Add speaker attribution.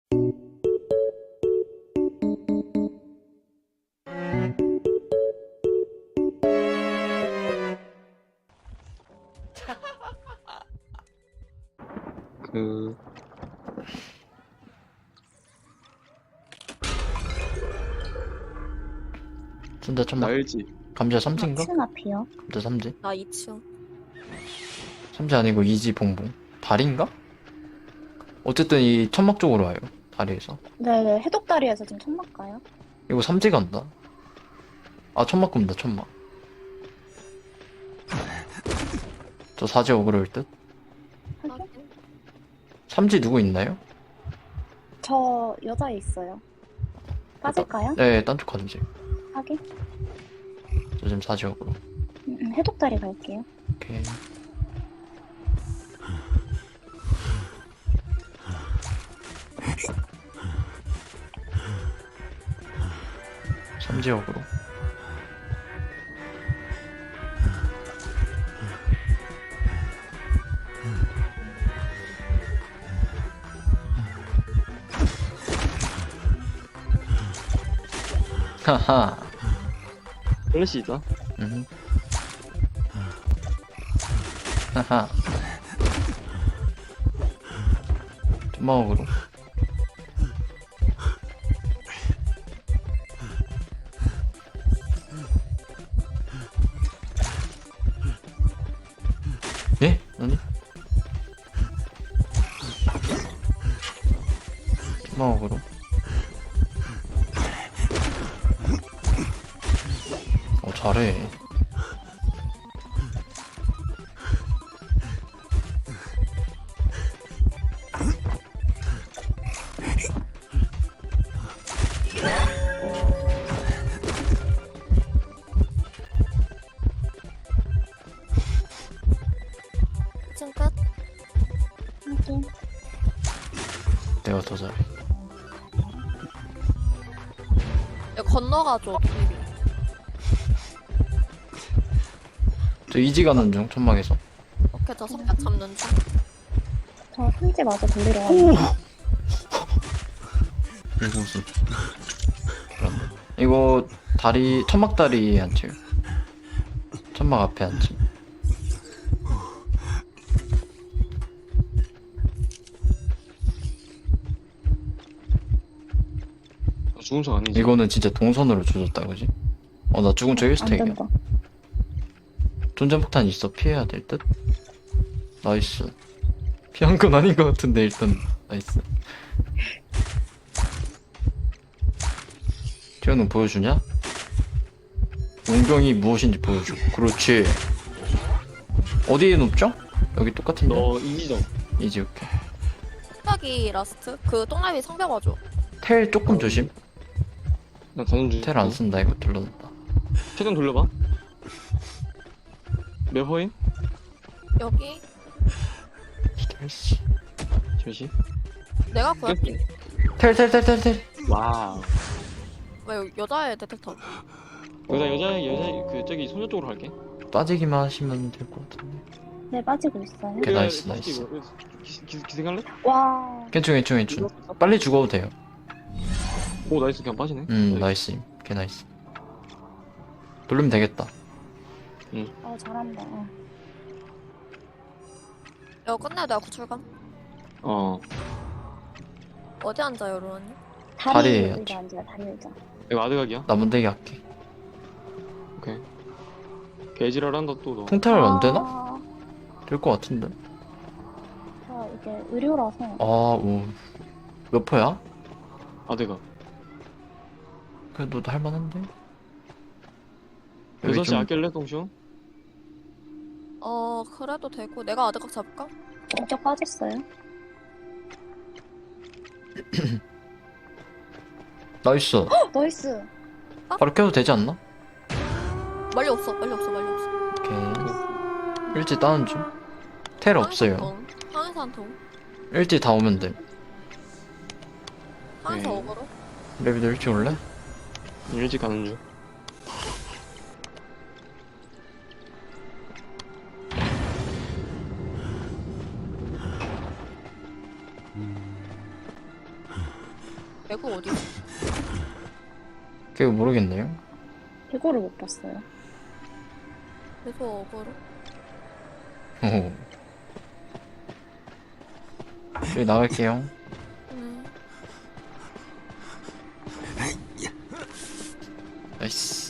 Speaker 1: 근데 천막
Speaker 2: 나일지.
Speaker 1: 감자 삼지인가?
Speaker 3: 2층 앞이요.
Speaker 1: 감자 삼지?
Speaker 4: 나 2층.
Speaker 1: 삼지 아니고 이지 봉봉 다리인가? 어쨌든 이 천막 쪽으로 와요. 다리에서.
Speaker 3: 네네, 해독다리에서 지금 천막 가요.
Speaker 1: 이거 삼지 간다. 아 천막 굽니다 천막. 저 사지 어그로일 듯?
Speaker 3: 확인.
Speaker 1: 삼지 누구 있나요?
Speaker 3: 저 여자애 있어요. 빠질까요?
Speaker 1: 네, 딴 쪽 가는 지.
Speaker 3: 확인.
Speaker 1: 저 지금 사지 어그로.
Speaker 3: 해독다리 갈게요.
Speaker 1: 오케이. 삼지 어그로. 하하.
Speaker 2: 플래시 있다.
Speaker 1: 하하. 토마호크로. 예? 아니? 토마호크로. 잘해.
Speaker 4: 층 끝.
Speaker 3: 확인.
Speaker 1: 내가 더 잘해.
Speaker 4: 야, 건너가줘.
Speaker 1: 저 이지 가는 중, 천막에서.
Speaker 4: 오케이, 저 선배 잡는 중.
Speaker 3: 저 삼지 마저 돌리러 가요.
Speaker 1: 이거 무슨. 이거 다리, 천막 다리에 앉혀요. 천막 앞에 앉힘.
Speaker 2: 죽은 척 아니지.
Speaker 1: 이거는 진짜 동선으로 조졌다, 그지? 나 죽은 척
Speaker 3: 안
Speaker 1: 1스택이야.
Speaker 3: 된다.
Speaker 1: 존재폭탄 있어. 피해야 될 듯? 나이스. 피한 건 아닌 것 같은데, 일단. 나이스. 태현은 보여주냐? 용병이 무엇인지 보여줘. 그렇지. 어디에 눕죠? 여기 똑같은데?
Speaker 2: 너 이지점.
Speaker 1: 이지, 오케이.
Speaker 4: 성벽이 라스트? 그 똥라비 성벽 와줘.
Speaker 1: 텔 조금 조심.
Speaker 2: 나 가는 중.
Speaker 1: 텔 안 쓴다, 이거 둘러놨다.
Speaker 2: 최대한 돌려봐. 몇 호임?
Speaker 4: 여기
Speaker 1: 텔씨.
Speaker 2: 잠시.
Speaker 4: 내가 구할게.
Speaker 1: 텔.
Speaker 2: 와우.
Speaker 4: 왜 여기 여자애 데텍터?
Speaker 2: 여자 그 저기 소녀 쪽으로 갈게.
Speaker 1: 빠지기만 하시면 될 것 같은데.
Speaker 3: 네, 빠지고 있어요.
Speaker 1: 오케이, 나이스.
Speaker 2: 기생할래?
Speaker 3: 와,
Speaker 1: 괜찮. 빨리 죽어도 돼요.
Speaker 2: 오 나이스 그냥 빠지네.
Speaker 1: 나이스. 개 나이스. 돌리면 되겠다.
Speaker 3: 잘한다.
Speaker 4: 이거 끝내야 내가 구출감.
Speaker 2: 어.
Speaker 4: 어디 앉아요, 로라님?
Speaker 3: 다리
Speaker 1: 다리에
Speaker 3: 의자 앉아요, 다리 의자.
Speaker 2: 이거 아드각이야?
Speaker 1: 남은대기 할게.
Speaker 2: 오케이. 개지랄한다 또 너.
Speaker 1: 통탈 안 되나?
Speaker 3: 아,
Speaker 1: 될 것 같은데.
Speaker 3: 저 이게 의료라서.
Speaker 1: 몇 퍼야?
Speaker 2: 아드각.
Speaker 1: 그래도 할만한데? 여기
Speaker 2: 6시
Speaker 1: 좀
Speaker 2: 아낄래 동시오?
Speaker 4: 그래도 되고. 내가 아드각 잡을까?
Speaker 3: 인격 빠졌어요.
Speaker 1: 나이스.
Speaker 3: 나이스.
Speaker 1: 바로 켜도 되지 않나?
Speaker 4: 멀리 없어.
Speaker 1: 오케이. 일지 다운 중. 텔 없어요.
Speaker 4: 항해사 한 통.
Speaker 1: 일지 다 오면 돼.
Speaker 4: 항해사
Speaker 2: 네.
Speaker 4: 어그로.
Speaker 1: 레비도 일찍 올래?
Speaker 2: 일찍 가는 중.
Speaker 4: 외국 어디?
Speaker 1: 그거 모르겠네요.
Speaker 3: 이거를 못 봤어요.
Speaker 4: 계속 어그로?
Speaker 1: 오. 저희 나갈게요.
Speaker 4: 음.
Speaker 1: 나이스.